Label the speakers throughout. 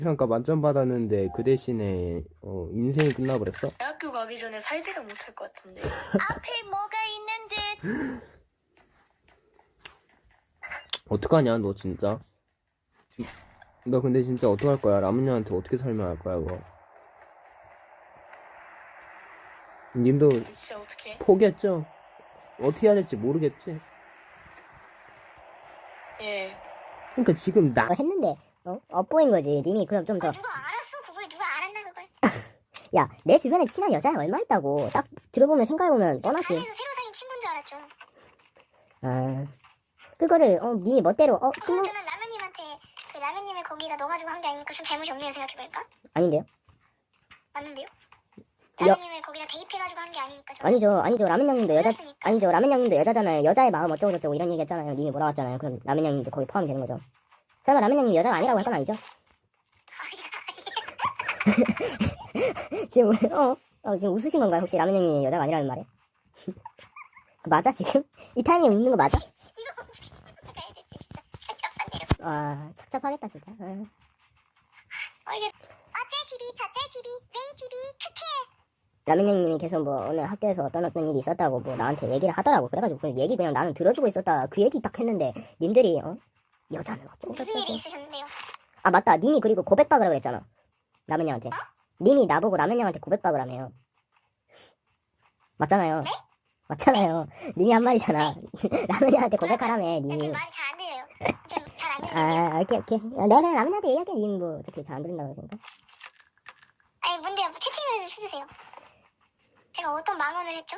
Speaker 1: 평가 만점 받았는데 그 대신에 인생이 끝나버렸어?
Speaker 2: 대학교 가기 전에 살지를 못할 것 같은데.
Speaker 3: 앞에 뭐가 있는 듯.
Speaker 1: 어떡하냐 너 진짜. 너 근데 진짜 어떡할 거야? 라문형한테 어떻게 설명할 거야 그거? 님도
Speaker 2: 진짜 어떡해?
Speaker 1: 포기했죠? 어떻게 해야 될지 모르겠지?
Speaker 2: 예.
Speaker 1: 그러니까 지금 나
Speaker 4: 했는데 엇보인 거지. 님이 그럼 좀 더.
Speaker 3: 누가 알았어? 그걸 누가 알았나 그걸?
Speaker 4: 야, 내 주변에 친한 여자가 얼마 있다고. 딱 들어보면 생각해보면 뻔하지.
Speaker 3: 반에서 새로 사귄 친구인 줄 알았죠.
Speaker 4: 아, 그거를 님이 멋대로 친구
Speaker 3: 저는 라면님한테 그 라면님을 거기다 넣어가지고 한 게 아니니까 좀 잘못이 없네요 생각해보니까.
Speaker 4: 아닌데요?
Speaker 3: 맞는데요?
Speaker 4: 야.
Speaker 3: 라면님을 거기다 대입해가지고 한 게 아니니까. 저는
Speaker 4: 아니죠. 라면 형님도 여자
Speaker 3: 몰랐으니까.
Speaker 4: 아니죠. 라면 형님도 여자잖아요. 여자의 마음 어쩌고 저쩌고 이런 얘기 했잖아요. 님이 뭐라고 했잖아요. 그럼 라면 형님도 거기 포함이 되는 거죠. 설마 라면 형님 여자가 아니라고 할 건 아니죠? 지금 지금 웃으신 건가요? 혹시 라면 형님이 여자가 아니라는 말에? 맞아 지금? 이 타이밍에 웃는 거 맞아?
Speaker 3: 이거 가야지 진짜 착잡한데요.
Speaker 4: 아, 착잡하겠다 진짜.
Speaker 3: 이게 어쩔 TV 저쩔 TV 웨이 TV 크크.
Speaker 4: 라면 형님이 계속 뭐 오늘 학교에서 어떤 일이 있었다고 뭐 나한테 얘기를 하더라고. 그래가지고 그 얘기 그냥 나는 들어주고 있었다. 그 얘기 딱 했는데 님들이 여자는 어쩌고
Speaker 3: 무슨
Speaker 4: 저쩌고.
Speaker 3: 일이 있으셨는데요?
Speaker 4: 아 맞다. 님이 그리고 고백박으라 그랬잖아. 라면 형한테. 님이 나보고 라면 형한테 고백박을 하네요. 맞잖아요.
Speaker 3: 네?
Speaker 4: 맞잖아요. 님이 한 말이잖아. 라면 형한테 고백하라며
Speaker 3: 야,
Speaker 4: 님이.
Speaker 3: 지금 말이 잘 안 들려요. 좀 잘 안 들리네요.
Speaker 4: 아 오케이. 내가 라면 형한테 얘기할게. 님 뭐 어차피 잘 안 들린다고 그러니까.
Speaker 3: 아니 뭔데요? 뭐 채팅을 좀 쓰주세요. 제가 어떤 망언을 했죠?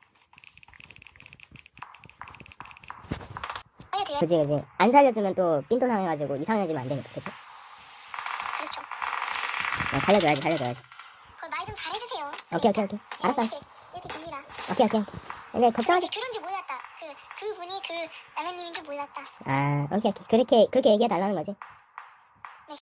Speaker 3: 알려드려요.
Speaker 4: 그치. 안 살려주면 또 삔또 상해가지고 이상해지면 안 되니까. 그치?
Speaker 3: 그렇죠.
Speaker 4: 살려줘야지.
Speaker 3: 그 말 좀 잘해주세요.
Speaker 4: 오케이. 알았어.
Speaker 3: 이렇게 됩니다.
Speaker 4: 오케이. 근데 걱정하지.
Speaker 3: 그런지 몰랐다. 그분이 그 라면님인 줄 몰랐다.
Speaker 4: 아, 오케이. 그렇게 얘기해달라는 거지.